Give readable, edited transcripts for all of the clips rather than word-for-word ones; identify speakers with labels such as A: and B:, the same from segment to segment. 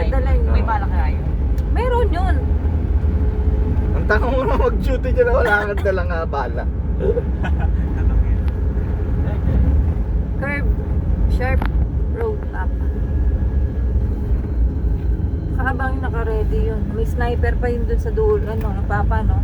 A: Dala yun.
B: May bala kaya yun.
A: Meron yun.
C: Ang tanong mo na mag-duty dyan na wala kang dalang bala.
A: Curve, sharp road up. Kaabang naka-ready yun. May sniper pa yun dun sa dulo, ano, papa, no?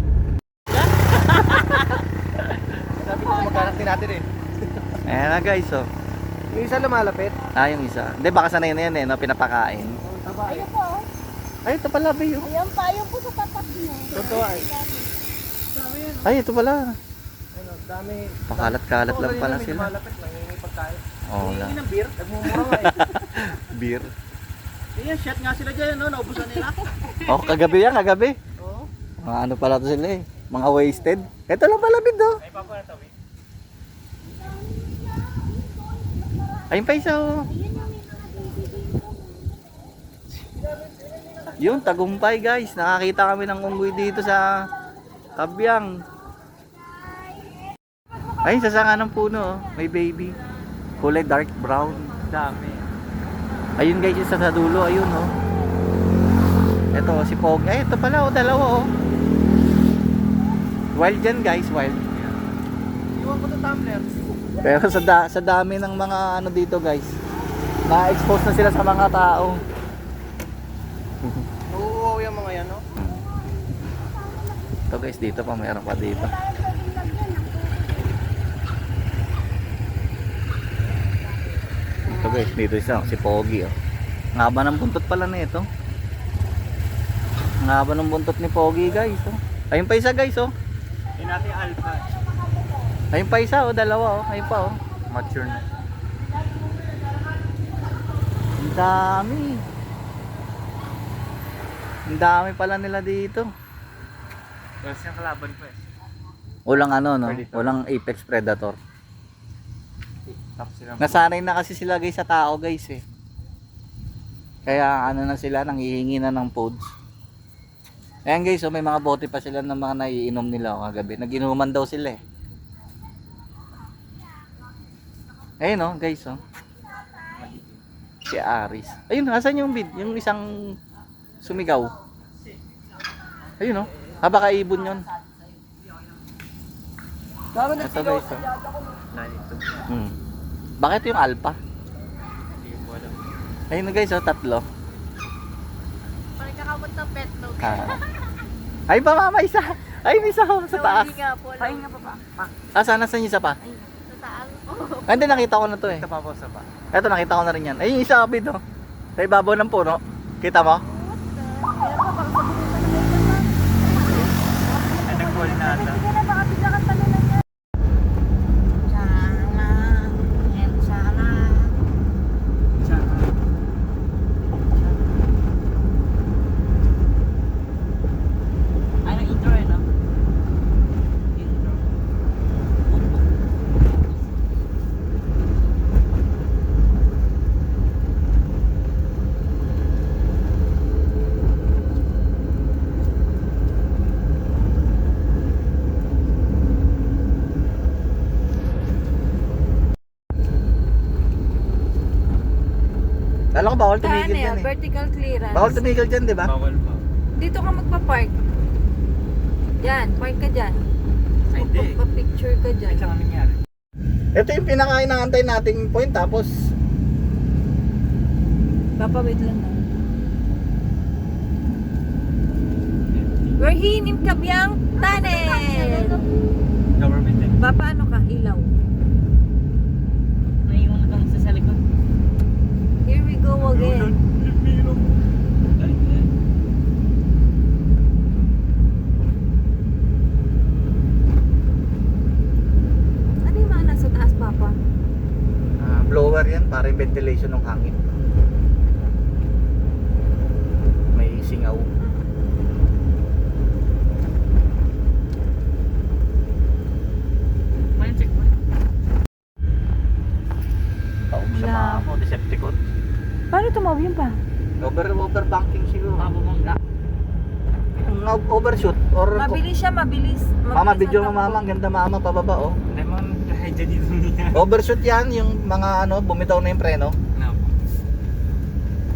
C: Sabi ko maghanap din natin eh.
D: Ayan na guys, oh.
C: Yung isa lumalapit.
D: Yung isa. Hindi, baka sanay na yan eh, no? Pinapakain.
E: Ayun po.
D: Ay, ito pala, Bay. Oh.
E: Ayun pa, ayun po sa tapat niyo.
C: Totoo ay.
D: Ay, ito pala.
C: Ano, dami.
D: Pakalat-kalat lang pala sila.
C: Lumalapit lang yung pagkain.
D: Oo lang.
C: Hindi ng beer, nagmumura nga eh.
D: Beer.
C: Ayan, shot nga sila dyan, no? Naubusan nila.
D: Oh, kagabi yan, kagabi.
C: Oo.
D: Mga ano pala to sila eh. Mga wasted. Ito lang pala, Bid, oh.
C: Ay, papa na tawi.
D: Ayun pa isa, oh. Yun, tagumpay guys. Nakakita kami ng unggoy dito sa Kabyang. Ayun, sa sanga ng puno, oh. May baby. Kulay dark brown.
B: Dami.
D: Ayun guys, yung sa dulo, ayun, oh. Ito, si Pog. Ay, ito pala, oh, dalawa, oh. Wild yan guys, wild.
C: Iwan ko sa tumbler.
D: Pero sa dami ng mga ano dito guys, na-expose na sila sa mga tao.
C: Oo, yung mga yan, no?
D: Ito guys, dito pa, mayroon pa dito. Ito guys, dito isa, si Pogi, oh. Ang haba ng buntot pala na ito. Ang haba ng buntot ni Pogi guys, oh. Ayun pa isa guys, oh.
B: Yung natin alpha.
D: Ayun pa isa, oh, dalawa, oh. Ayun pa, oh.
B: Mature na.
D: Ang dami. Ang dami pala nila dito.
B: Tapos yung kalaban ko eh.
D: Walang ano, no?
B: Predator.
D: Walang apex predator.
B: Tapos silang
D: Nasanay na kasi sila guys sa tao guys eh. Kaya ano na sila, nanghihingi na ng foods. Ayan guys, oh, may mga bote pa sila ng mga naiinom nila oh, kagabi. Nag-inuman daw sila eh. Ayun oh guys oh. Si Aris. Ayun, asan yung bid? Yung isang sumigaw. Ayun oh. Baka ibon yun. Ito guys oh.
B: ito.
D: Bakit yung alpha?
B: Hindi ko alam.
D: Ayun na guys oh, tatlo.
E: Parang kakamot ng pet dog.
D: Ay pa mama isa. Ay may isa oh, sa taas.
E: Hindi nga po.
A: Pahinga pa pa.
D: Sana sa isa pa.
E: Sa taas. Oh.
D: Hindi nakita ko na to eh.
B: Ito pa po sa ba?
D: Eto nakita ko na rin yan. Ay yung isa kapit oh. Sa ibabaw ng puno. Kita mo?
E: Meron pa baka sabunin
B: Ay, nag-call na ata.
E: Sige na, baka bigla kang talunan yan. Sana. Yan, sana.
B: Ay, nag-intro eh, no? Intro.
D: Alam ko bawal
A: Ano
D: tumigil
A: yan?
D: dyan eh.
A: Vertical clearance.
D: Bawal tumigil dyan, di ba?
B: Bawal pa.
A: Dito ka magpa-park. Yan, park ka dyan.
B: Ay, hindi.
A: Magpa-picture ka dyan.
B: Wait lang ang nangyari.
D: Ito yung pinaka-inaantay nating point tapos
A: Papawait lang na. We're in Kabyang Tunnel!
B: Government eh.
A: Paano ka? Ilaw.
B: Naiwan lang sa likod.
A: Here we go again. Ano yung mga nasa taas, Papa?
D: blower yan para yung ventilation ng hangin. May singaw.
B: May checkpoint.
D: Taong sa mga mo, Decepticon.
A: Paano tumawag yun pa?
D: Overbanking siguro.
B: Mababangga.
D: Overshoot or
A: Mabilis siya, mabilis.
D: Mama,
A: Mabilis
D: video
A: ang
D: mo mama, ang ganda mama pababa oh.
B: Hindi man kahit dito niya.
D: Overshoot yan, yung mga ano, bumitaw na yung preno.
B: No.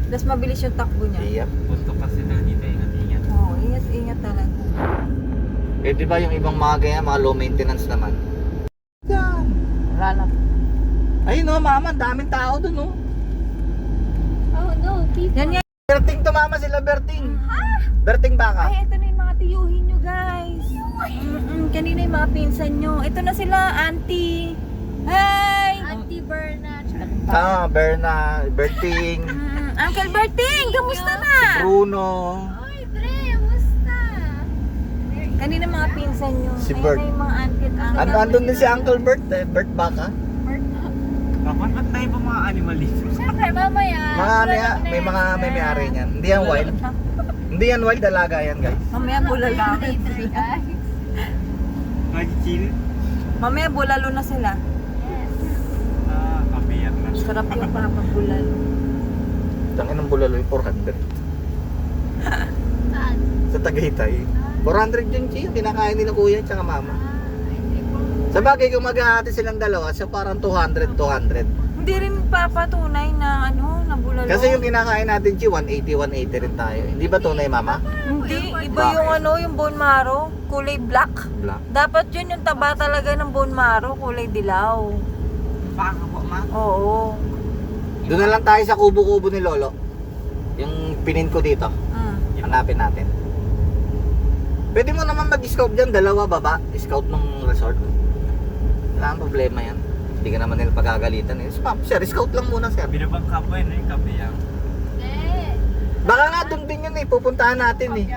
A: Tapos mabilis yung takbo niya.
C: Yep.
B: Gusto kasi daw dito, ingat-ingat.
A: Oo, ingat talaga.
C: Eh di ba yung ibang mga ganyan, mga low maintenance naman? Yan.
D: Wala na.
C: Ayun o, mama, ang daming tao dun o.
E: Oh no, people.
A: Yan nga.
C: Berting to mama, sila Berting. Berting baka.
A: Ay, ito na yung mga tiyuhin nyo, guys. Kanina yung mga pinsan nyo. Ito na sila, auntie. Hi!
E: Auntie Berna.
C: Berna, Berting,
A: Uncle Berting, kamusta na?
C: Bruno.
E: Oy, Dre, musta?
A: Kanina mga pinsan nyo.
C: Si
A: Ayan
C: Bert.
A: na yung mga auntie at uncle.
C: Andun din si Uncle Bert, Bert baka.
B: Bakit ba't tayo ba mga animal dito?
E: Siyempre, mamaya.
C: Mga ano yan, may may-ari niyan. Hindi yan wild. Hindi yan wild, dalaga yan guys.
A: Mamaya bulalo.
E: Later, guys.
B: Mag-chill?
A: Mamaya bulalo na sila.
E: Yes.
B: Kapiyak na.
A: Sarap yung papabulalo.
C: Tangin ng bulalo yung 400.
E: Saan?
C: Sa Tagaytay. 400 yung chi, yung kinakain nila kuya tsaka mama.
E: Hindi po.
C: Sa bagay kung maghahati silang dalawa, so parang 200.
A: Hindi rin papatunay na ano, na bulalo.
C: Kasi yung kinakain natin chi, 180 rin tayo. Hindi ba tunay mama?
A: Hindi, iba yung ano, yung bone marrow, kulay black.
C: Black.
A: Dapat yun yung taba talaga ng bone marrow, kulay dilaw.
B: Baka po, ma.
A: Oo.
C: Doon na lang tayo sa kubo-kubo ni Lolo. Yung pinin ko dito. Hanapin natin. Pwede mo naman mag-scout dyan, dalawa baba. Scout ng resort. Wala kang problema yan. Hindi ka naman nila pagagalitan eh. Sir, scout lang muna sir.
B: Binabang kapo yun, kapiyak.
E: Hindi.
C: Baka nga doon din yun eh, pupuntahan natin eh.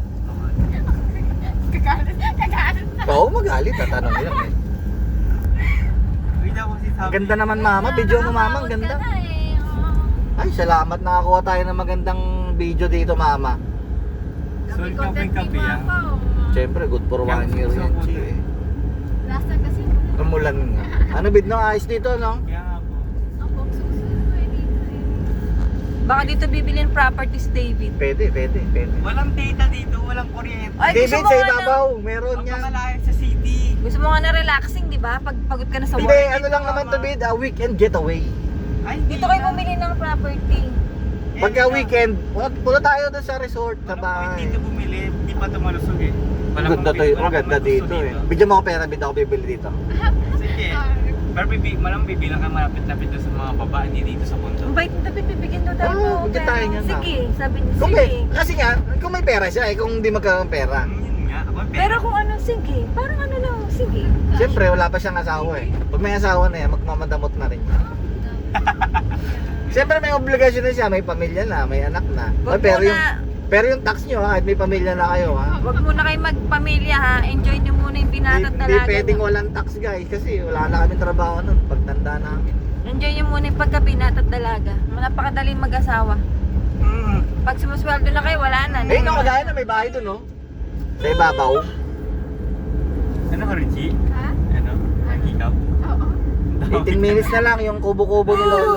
E: Kagalit.
C: Oo, magalit, tatanong nila eh.
B: Uy, daw kasi sabi.
C: Ang ganda naman mama, video mo mama, ang ganda. Ay, salamat nakakuha tayo ng magandang video dito mama.
B: Sol ka pa yung kapiyak.
C: Siyempre, good for 1 year yan, chi eh.
E: Last time kasi,
C: Umulan nga. Ano bid no, ayos dito no?
B: Kaya nga po.
E: ang susunod eh dito eh.
A: Baka dito bibilin properties, David.
C: Pwede.
B: Walang data dito, walang kuryente.
A: Ay,
C: David,
A: gusto mo
C: sa
A: nga
C: ibabaw, meron
B: Ang
C: yan.
B: pangalayan sa city.
A: Gusto mo nga na relaxing, di ba? Pag pagod ka na sa
C: Hindi,
A: work.
C: ano lang naman to bid, a weekend getaway.
B: Ay,
A: Dito kayo bumili ng property.
C: Pagka weekend, punta tayo doon sa resort, sa
B: Walang
C: bahay.
B: point dito bumili, di pa tumalusog eh.
C: Ang ganda to, ang ganda dito eh. Bigyan mo ako pera, bid ako bibili dito.
B: Sige. Pero malang bibilang ka malapit-lapit doon sa mga baba, hindi dito sa bundok.
A: Ang bait na David, bibigyan daw tayo.
C: Oo, bigyan tayo niyan,
A: Sige, sabi niya,
C: Kung
A: sige.
C: kasi nga, kung may pera siya eh, kung hindi magkaroon ng pera.
B: Yun nga, ako
A: Pero kung ano, sige. Parang ano lang, sige.
C: Siyempre, wala pa siyang asawa eh. Pag may asawa na yan, magmamadamot na rin. Siyempre, may obligasyon na siya, may pamilya na, may anak na.
A: Wag
C: Pero yung tax nyo ha, kahit may pamilya na kayo ha.
A: Wag muna kayo magpamilya ha. Enjoy nyo muna yung binatat
C: Hindi
A: talaga.
C: pwedeng walang tax guys, kasi wala na kami trabaho nun, pagtanda namin.
A: Enjoy nyo muna yung pagkabinatat dalaga. Napakadaling mag-asawa. Pag sumusweldo na kayo, wala na.
C: Eh, ikaw kagaya na may bahay dun no? Sa ibabaw.
B: Ano ka, Richie?
E: Ha?
B: Ano? Ang hikaw?
E: Oo.
C: 18 minutes na lang yung kubo-kubo ni Lolo.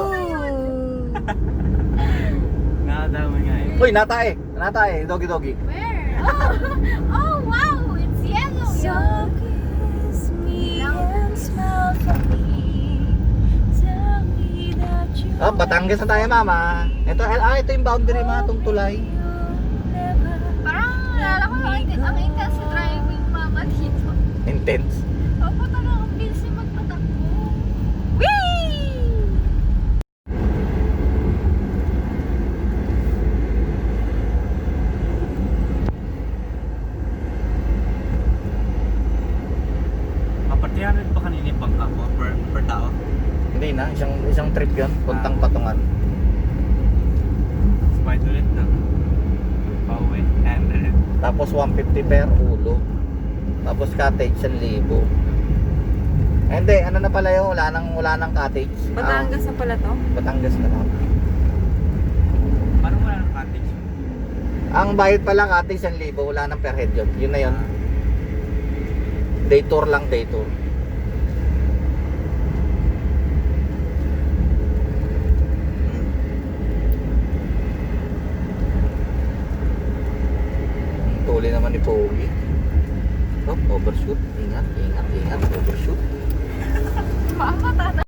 B: Nakadama nga eh.
C: Uy, natae, doggy.
E: Where? Oh, wow! It's yellow!
A: So kiss me and smile for me. Tell me that you
C: Oh, Batangas na tayo mama. Ito yung boundary mga itong tulay.
E: Parang nalala ko ang intense sa driving mama dito.
C: Intense.
E: Opo, talagang ang bilis yung magpatakbo.
B: Kapartiyanan pa kanina yung bangka mo per tao?
C: Hindi na, isang trip yun, puntang Patungan.
B: Smile ulit na. Pauwi. And
C: Tapos 150 per ulo. Tapos cottage 1,000. Hindi, ano na pala yun, wala nang cottage.
A: Batangas na pala to?
C: Batangas na lang.
B: parang wala ng cottage.
C: Ang bayad pala cottage 1,000, wala nang per head yun. Yun na yun. Day tour lang, day tour. Tuli naman ni Pogi. Oh, overshoot. Ingat.